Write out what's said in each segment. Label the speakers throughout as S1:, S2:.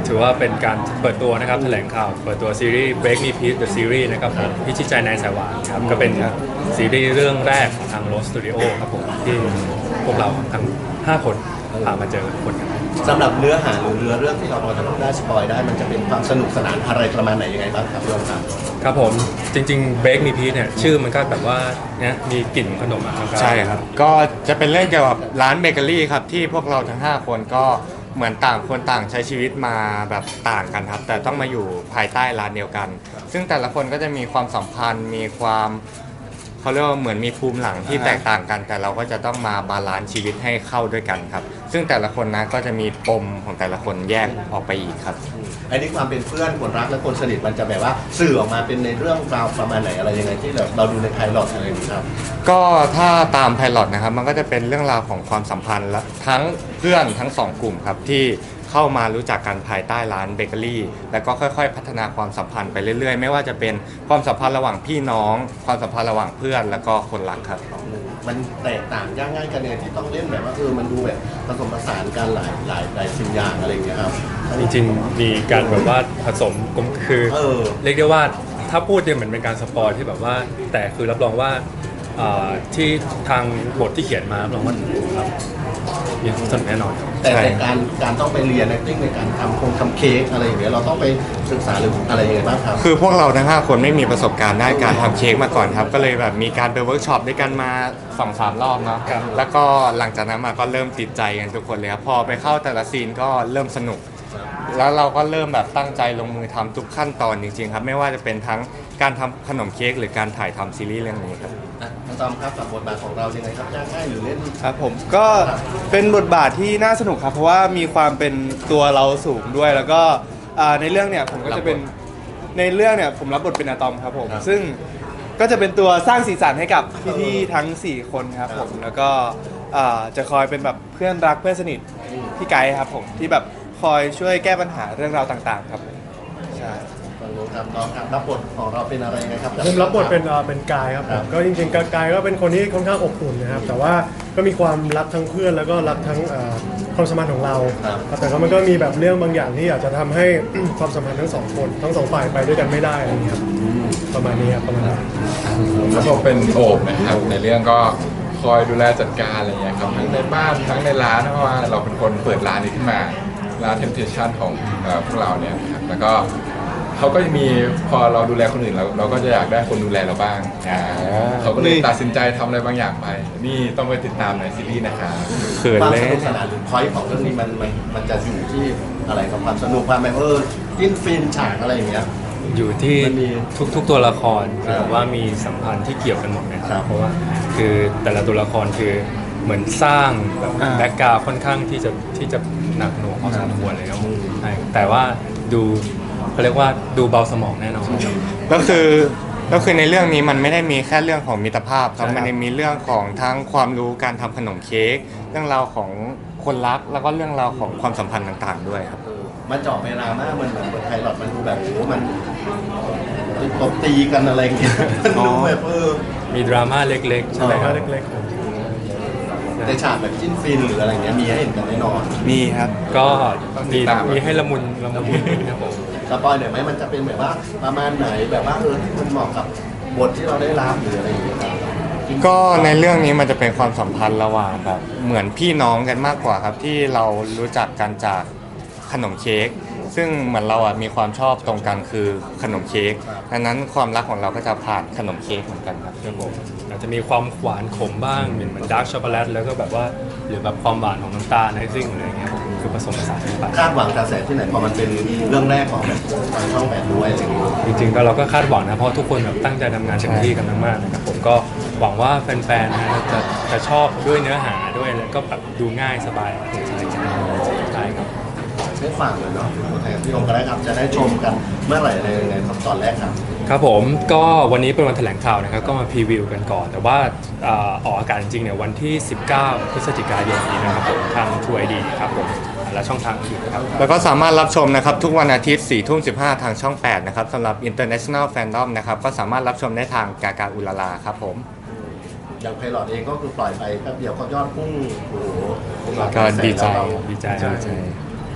S1: ถือว่าเป็นการเปิดตัวนะครับแถลงข่าวเปิดตัวซีรีส์ Break Me Peace The Series นะครับผมพิชิตใจนายสายหวานครับก็เป็นซีรีส์เรื่องแรกของทาง Rose Studio ครับผมที่พวกเราทั้ง5คนพามาเจอคนกัน
S2: สำหรับเนื้อหาหรือเนื้อเรื่องที่เราพอจะได้สปอยได้มันจะเป็นความสนุกสนานอะไรประมาณไหนยังไงบ้างครับพี่อมครับ
S1: ครับผมจริงๆ Break Me Peace เนี่ยชื่อมันก็แบบว่าเนี่ยมีกลิ่นขนมอะครับ
S3: ใช่ครับก็จะเป็นเรื่องเกี่ยวกับร้านเบเกอรี่ครับที่พวกเราทั้ง5คนก็เหมือนต่างคนต่างใช้ชีวิตมาแบบต่างกันครับแต่ต้องมาอยู่ภายใต้ร้านเดียวกัน ซึ่งแต่ละคนก็จะมีความสัมพันธ์มีความเขาเรียกว่าเหมือนมีภูมิหลังที่แตกต่างกัน แต่เราก็จะต้องมาบาลานซ์ชีวิตให้เข้าด้วยกันครับซึ่งแต่ละคนนะก็จะมีปมของแต่ละคนแยกออกไปอีกครับ
S2: อันนี้ความเป็นเพื่อนคนรักและคนสนิทมันจะแบบว่าสื่อออกมาเป็นในเรื่องราวประมาณไหนอะไรยังไงที่เราดูในไพลอตอะไรอย่างนี้ครับ
S3: ก็ถ้าตามไพลอตนะครับมันก็จะเป็นเรื่องราวของความสัมพันธ์และทั้งเพื่อนทั้งสองกลุ่มครับที่เข้ามารู้จักกันภายใต้ร้านเบเกอรี่แล้วก็ค่อยๆพัฒนาความสัมพันธ์ไปเรื่อยๆไม่ว่าจะเป็นความสัมพันธ์ระหว่างพี่น้องความสัมพันธ์ระหว่างเพื่อนแล้วก็คนรักครับ
S2: มันแตกต่างยากง่ายกันเนี่ยที่ต้องเล่นแบบว่ามันดูแบบผสมผสานกันหลายสิ่งอย่างอะไรอย่างเงี้ยครับ
S1: จริงๆมีการแบบว่าผสมกลมคือเรียกได้ว่าถ้าพูดเนี่ยเหมือนเป็นการสปอยที่แบบว่าแต่คือรับรองว่าที่ทางบทที่เขียนมารับรองว่าครับมีสนุกแน่นอน
S2: แต่การต้องไปเรียน acting ในการทำเค้กอะไรอย่างเงี้ยเราต้องไปศึกษาหรืออะไรยังไงบ้างครับ
S3: คือพวกเราทั้ง5คนไม่มีประสบการณ์ด้านการทำเค้กมาก่อนครับก็เลยแบบมีการไปเวิร์กช็อปด้วยกันมา 2-3 รอบเนาะแล้วก็หลังจากนั้นมาก็เริ่มติดใจกันทุกคนเลยครับพอไปเข้าแต่ละซีนก็เริ่มสนุกแล้วเราก็เริ่มแบบตั้งใจลงมือทำทุกขั้นตอนจริงๆครับไม่ว่าจะเป็นทั้งการทำขนมเค้กหรือการถ่ายทำซีรีส์เรื่องนี้ครับ
S2: น้องตอมครับกับบทบาทของเรายังไงครับยากง่ายหรือเล่น
S4: ครับผมก็เป็นบทบาทที่น่าสนุกครับเพราะว่ามีความเป็นตัวเราสูงด้วยแล้วก็ในเรื่องเนี่ยผมก็จะเป็นในเรื่องเนี่ยผมรับบทเป็นอะตอมครับผมซึ่งก็จะเป็นตัวสร้างสีสันให้กับพี่ๆทั้ง4คนครับผมแล้วก็จะคอยเป็นแบบเพื่อนรักเพื่อนสนิทพี่ไกด์ครับผมที่แบบคอยช่วยแก้ปัญหาเรื่องราวต่างๆครับใช่
S2: ครับน้องครับรับบทของเราเป็นอะไรไงครับ
S5: ผมรับบทเป็นกายครับผมก็จริงๆกายก็เป็นคนที่ค่อนข้างอบอุ่นนะครับแต่ว่าก็มีความรักทั้งเพื่อนแล้วก็รักทั้งความสัมพันธ์ของเราแต่ก็มันก็มีแบบเรื่องบางอย่างที่อาจจะทำให้ ความสัมพันธ์ทั้งสองคนทั้งสองฝ่ายไปด้วยกันไม่ได้อะไรอย่างเงี้ยครับประมาณนี้ครับประมาณนี้
S6: แล้วผมเป็นโอบนะครับในเรื่องก็คอยดูแลจัดการอะไรอย่างเงี้ยครับทั้งในบ้านทั้งในร้านเพราะว่าเราเป็นคนเปิดร้านนี้ขึ้นมาร้าน Temptation ของพวกเราเนี่ยครับแล้วก็เขาก็จะมีพอเราดูแลคนอื่นเราก็จะอยากได้คนดูแลเราบ้างเขาก็เลยตัดสินใจทำอะไรบางอย่างไปนี่ต้องไปติดตามในซีรีส์นะครับ
S2: ความสนุกสนานหรือพอยต์ของเรื่องนี้มันจะอยู่ที่อะไรกับความสนุกความแบบจิ้นฟินฉากอะไรอย่างเงี้ย
S1: อยู่ที่ทุกตัวละครคือแบบว่ามีสัมพันธ์ที่เกี่ยวกันหมดนะครับเพราะว่าคือแต่ละตัวละครคือเหมือนสร้างแบบแบ็กกราวด์ค่อนข้างที่จะหนักหน่วงพอสมควรเลยครับแต่ว่าดูเขาเรียกว่าดูเบาสมองแน่นอน
S3: ก็คือในเรื่องนี้มันไม่ได้มีแค่เรื่องของมิตรภาพครับมันยังมีเรื่องของทั้งความรู้การทำขนมเค้กเรื่องราวของคนรักแล้วก็เรื่องราวของความสัมพันธ์ต่างๆด้วยครับ
S2: มันเจาะไปดราม่ามันเหมือนบทไพลอตมันดูแบบมันตบตีกันอะไรอย่างเงี้ยมันดูแบบ
S1: มีดราม่าเล็กๆใช่ไหมครับ
S5: เล็กๆ
S2: ในฉากแบบจิ้นฟินหรืออะไรเงี้ยมีให้เห็นกันแน่นอน
S3: มีครับ
S1: ก็มีให้ละมุนครับผม
S2: สปอยหน่อยไหมมันจะเป็นแบบว่าประมาณไหนแบบว่าที่มันเหมาะกับบทที่เราได้รับหรืออะไรอย่างเงี้ย
S3: ก็ในเรื่องนี้มันจะเป็นความสัมพันธ์ระหว่างแบบเหมือนพี่น้องกันมากกว่าครับที่เรารู้จักกันจากขนมเค้กซึ่งเหมือนเราอ่ะมีความชอบตรงกันคือขนมเค้กดังนั้นความรักของเราก็จะผ่านขนมเค้กเหมือนกันครับ
S1: ผมอาจจะมีความหวานขมบ้างเหมือนดาร์กช็อกโกแลตแล้วก็แบบว่าหรือแบบความหวานของน้ำตาลไอซิ่งอะไรเงี้ยคือผสมผสานกันไป
S2: คาดหวังกระแสที่ไหนพอมันเป็นเรื่องแรกของแบบทางช่อง8ด้วย
S1: จริงๆก็เราก็คาดหวังนะเพราะทุกคนแบบตั้งใจทำงานเต็มที่กันมากๆนะครับผมก็หวังว่าแฟนๆนะจะชอบด้วยเนื้อหาด้วยแล้วก็แบบดูง่ายสบายถูกใจกันใช่ครับ
S2: ได้ฝากเลยเนาะพี่องค์ก็ได้ครับจะได้ชมกันเมื่อไหร่อะไรยังไงครับตอนแรกครับ
S1: ครับผมก็วันนี้เป็นวันแถลงข่าวนะครับก็มาพรีวิวกันก่อนแต่ว่าออกอากาศจริงๆเนี่ยวันที่19พฤศจิกายนนี้นะครับผมทาง True ID ครับผมและช่องทางอื่นครับ
S3: แล้วก็สามารถรับชมนะครับทุกวันอาทิตย์ 4:15 ทางช่อง 8นะครับสำหรับ International Fandom นะครับก็สามารถรับชมได้ทางกากาอุลาลาครับผม
S2: อย่างไพลอตเองก็คือปล่อยไปแป๊บเดียวก็ยอดพุ่งโอ้โห
S3: ก็ดีใจ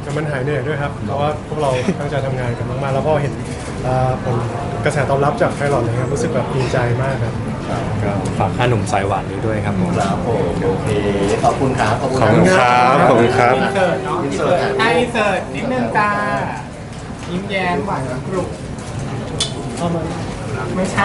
S5: มันหายเหนื่อยด้วยครับเพราะว่าพวกเราตั้งใจทำงานกันมากๆแล้วก็เห็นผลกระแสตอบรับจากไพลอตเลยครับรู้สึกแบบดีใจมากครับ
S1: ก็ฝากค่าหนุ่มสายหวานด้วยครับผม
S2: ครับผมโอเคขอบคุณครับขอบคุณ
S4: ขอบคุณครับขอบคุณครับ
S7: อินเสิร์ตเนาะ
S2: อินเสิร์ต
S7: ให้อินเสิร์ตนิดนึงจ้ายิ้มแย้มหวานกรุบไม่ใช่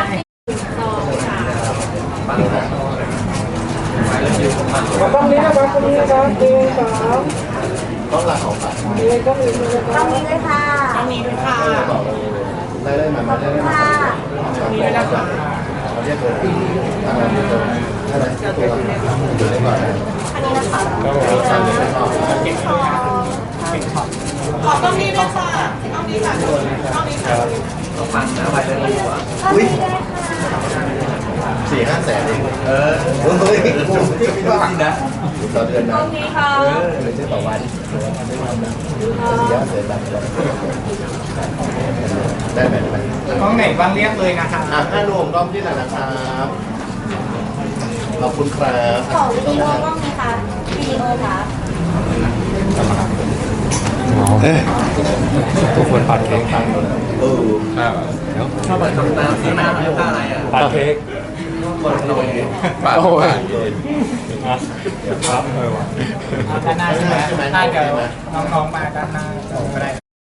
S8: ต้องนี้นะครับต้องนี้นะครับหนึ่งสอง
S2: ต้องหลักของฝัน
S8: เลยก็มีเลย
S9: ตรงนี้เลยค่ะ
S7: ต้องนี้ด้วยค่ะ
S2: ได้มาได้มา
S9: ค่ะ
S7: นี้ด้วยนะคะ
S2: เขาเรียกเลยทำงานอยู่ตรงอะไรตัวอยู่ได้ก่อน
S9: อันนี้นะคะ
S7: เก่งช็อต
S9: ขอตรงนี้ด้วยค่ะตรงนี้ค่ะตรงนี้ค่ะ
S2: อุ้ย
S9: ตรงนี้ด้วยค่ะ
S2: 4-5 แสนเองเฮ้ยคุ้มจริงนะต่อเดือน
S9: ต
S2: นะ
S9: รงนี้ค่ะ
S2: หรือจะต่อวันไม่ทำนะ4-5 แสนแบบได้ไหม
S7: กล้องไหนบ้างเรียกเลยนะคะ
S2: ให้รวมรอบที่ไหนนะครับขอบคุณครับ
S9: ขอวิดีโอบ้างไหมคะวิดีโอค่ะ
S1: ทุกคนปัดเค้ก
S2: เออ
S6: ครับ
S1: เดี๋ยว
S2: ชอบแบบทำน้ำที่น้ำท่าอะไรอ่ะ
S1: ปัดเค้ก
S2: คนที่โดน
S6: ปาดปาด
S1: ครับเออว่ะ
S7: ด้านหน้าใช่ไหมได้เดี๋ยวน้องๆมาด้านหน้าก็ได้